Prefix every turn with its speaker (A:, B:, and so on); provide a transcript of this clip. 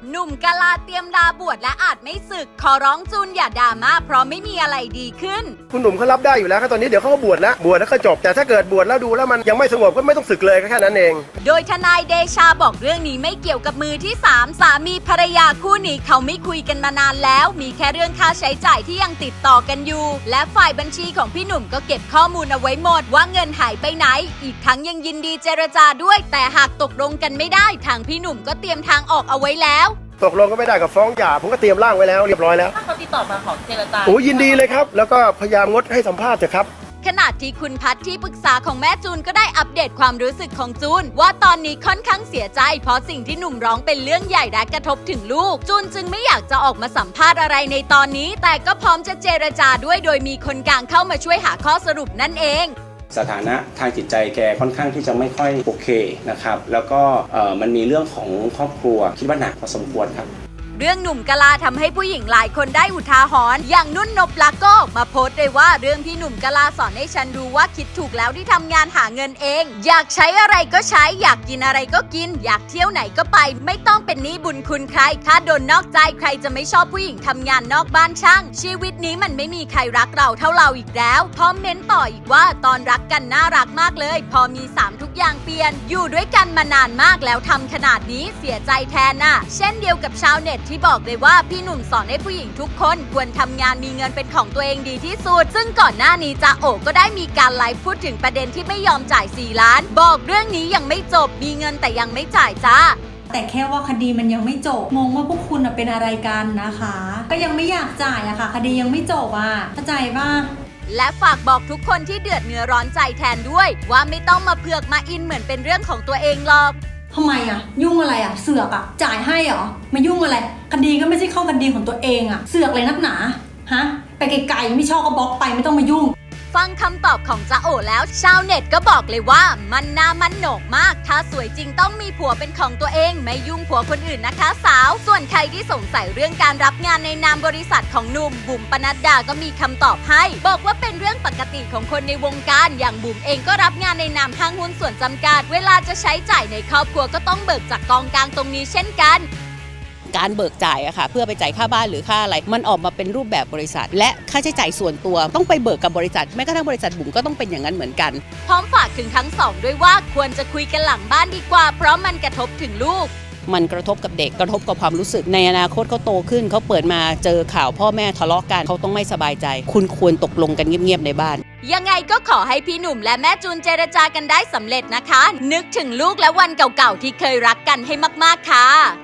A: หนุ่มกะลาเตรียมลาบวชและอาจไม่สึกขอร้องจูนอย่าดราม่าเพราะไม่มีอะไรดีขึ้น
B: คุณหนุ่มเขารับได้อยู่แล้วครับตอนนี้เดี๋ยวเขาก็บวชแล้วก็จบแต่ถ้าเกิดบวชแล้วดูแล้วมันยังไม่สงบก็ไม่ต้องสึกเลยก็แค่นั้นเอง
A: โดยทนายเดชาบอกเรื่องนี้ไม่เกี่ยวกับมือที่3สามีภรรยาคู่นี้เขาไม่คุยกันมานานแล้วมีแค่เรื่องค่าใช้จ่ายที่ยังติดต่อกันอยู่และฝ่ายบัญชีของพี่หนุ่มก็เก็บข้อมูลเอาไว้หมดว่าเงินหายไปไหนอีกทั้งยังยินดีเจรจาด้วยแต่หากตกลงกันไม่ได้ทางพี่หนุ่มก็เตรียมทางออกเอาไว้แล้ว
B: ตกลงก็ไม่ได้กับฟ้องหย่าผมก็เตรียมร่างไว้แล้วเรียบร้อยแล้ว
C: ถ้าเขาติดต่อมาขอเจรจา
B: ยินดีเลยครับแล้วก็พยายามงดให้สัมภาษณ์เถอะครับ
A: ขณะที่คุณพัทที่ปรึกษาของแม่จูนก็ได้อัปเดตความรู้สึกของจูนว่าตอนนี้ค่อนข้างเสียใจเพราะสิ่งที่หนุ่มร้องเป็นเรื่องใหญ่และกระทบถึงลูกจูนจึงไม่อยากจะออกมาสัมภาษณ์อะไรในตอนนี้แต่ก็พร้อมจะเจรจาด้วยโดยมีคนกลางเข้ามาช่วยหาข้อสรุปนั่นเอง
D: สถานะทางจิตใจแกค่อนข้างที่จะไม่ค่อยโอเคนะครับแล้วก็มันมีเรื่องของครอบครัวคิดว่าหนักพอสมควรครับ
A: เรื่องหนุ่มกะลาทำให้ผู้หญิงหลายคนได้อุทาหรณ์อย่างนุ่นนบลักษ์ก็มาโพสต์เลยว่าเรื่องที่หนุ่มกะลาสอนให้ฉันรู้ว่าคิดถูกแล้วที่ทำงานหาเงินเองอยากใช้อะไรก็ใช้อยากกินอะไรก็กินอยากเที่ยวไหนก็ไปไม่ต้องเป็นหนี้บุญคุณใครถ้าโดนนอกใจใครจะไม่ชอบผู้หญิงทำงานนอกบ้านช่างชีวิตนี้มันไม่มีใครรักเราเท่าเราอีกแล้วพร้อมเม้นต่ออีกว่าตอนรักกันน่ารักมากเลยพอมี3ทุกอย่างเปลี่ยนอยู่ด้วยกันมานานมากแล้วทำขนาดนี้เสียใจแทนน่ะเช่นเดียวกับชาวเน็ตที่บอกเลยว่าพี่หนุ่มสอนให้ผู้หญิงทุกคนควรทำงานมีเงินเป็นของตัวเองดีที่สุดซึ่งก่อนหน้านี้จ๊ะโอก็ได้มีการไลฟ์พูดถึงประเด็นที่ไม่ยอมจ่าย4 ล้านบอกเรื่องนี้ยังไม่จบมีเงินแต่ยังไม่จ่ายจ้า
E: แต่แค่ว่าคดีมันยังไม่จบงงว่าพวกคุณเป็นอะไรกันนะคะก็ยังไม่อยากจ่ายอะค่ะคดียังไม่จบอะเข้าใจป่ะ
A: และฝากบอกทุกคนที่เดือดเนื้อร้อนใจแทนด้วยว่าไม่ต้องมาเผือกมาอินเหมือนเป็นเรื่องของตัวเองหรอก
E: ทำไมอะยุ่งอะไรอะเสือกอะจ่ายให้เหรอมายุ่งอะไรคดีก็ไม่ใช่เข้าคดีของตัวเองอะเสือกเลยนักหนาฮะไปไกลๆไม่ชอบก็บล็อกไปไม่ต้องมายุ่ง
A: ฟังคำตอบของจ๊ะโอแล้วชาวเน็ตก็บอกเลยว่ามันน่ามันโหนกมากถ้าสวยจริงต้องมีผัวเป็นของตัวเองไม่ยุ่งผัวคนอื่นนะคะสาวส่วนใครที่สงสัยเรื่องการรับงานในนามบริษัทของหนุ่มบุ๋มปนัดดาก็มีคำตอบให้บอกว่าเป็นเรื่องปกติของคนในวงการอย่างบุ๋มเองก็รับงานในนามห้างหุ้นส่วนจำกัดเวลาจะใช้จ่ายในครอบครัวก็ต้องเบิกจากกองกลางตรงนี้เช่นกัน
F: การเบิกจ่ายอะค่ะเพื่อไปจ่ายค่าบ้านหรือค่าอะไรมันออกมาเป็นรูปแบบบริษัทและค่าใช้จ่ายส่วนตัวต้องไปเบิกกับบริษัทแม้กระทั่งบริษัทบุ๋มก็ต้องเป็นอย่างนั้นเหมือนกัน
A: พร้อมฝากถึงทั้งสองด้วยว่าควรจะคุยกันหลังบ้านดีกว่าเพราะมันกระทบถึงลูก
F: มันกระทบกับเด็กกระทบกับความรู้สึกในอนาคตเขาโตขึ้นเขาเปิดมาเจอข่าวพ่อแม่ทะเลาะกันเขาต้องไม่สบายใจคุณควรตกลงกันเงียบๆในบ้าน
A: ยังไงก็ขอให้พี่หนุ่มและแม่จูนเจรจากันได้สำเร็จนะคะนึกถึงลูกและวันเก่าๆที่เคยรักกันให้มากๆค่ะ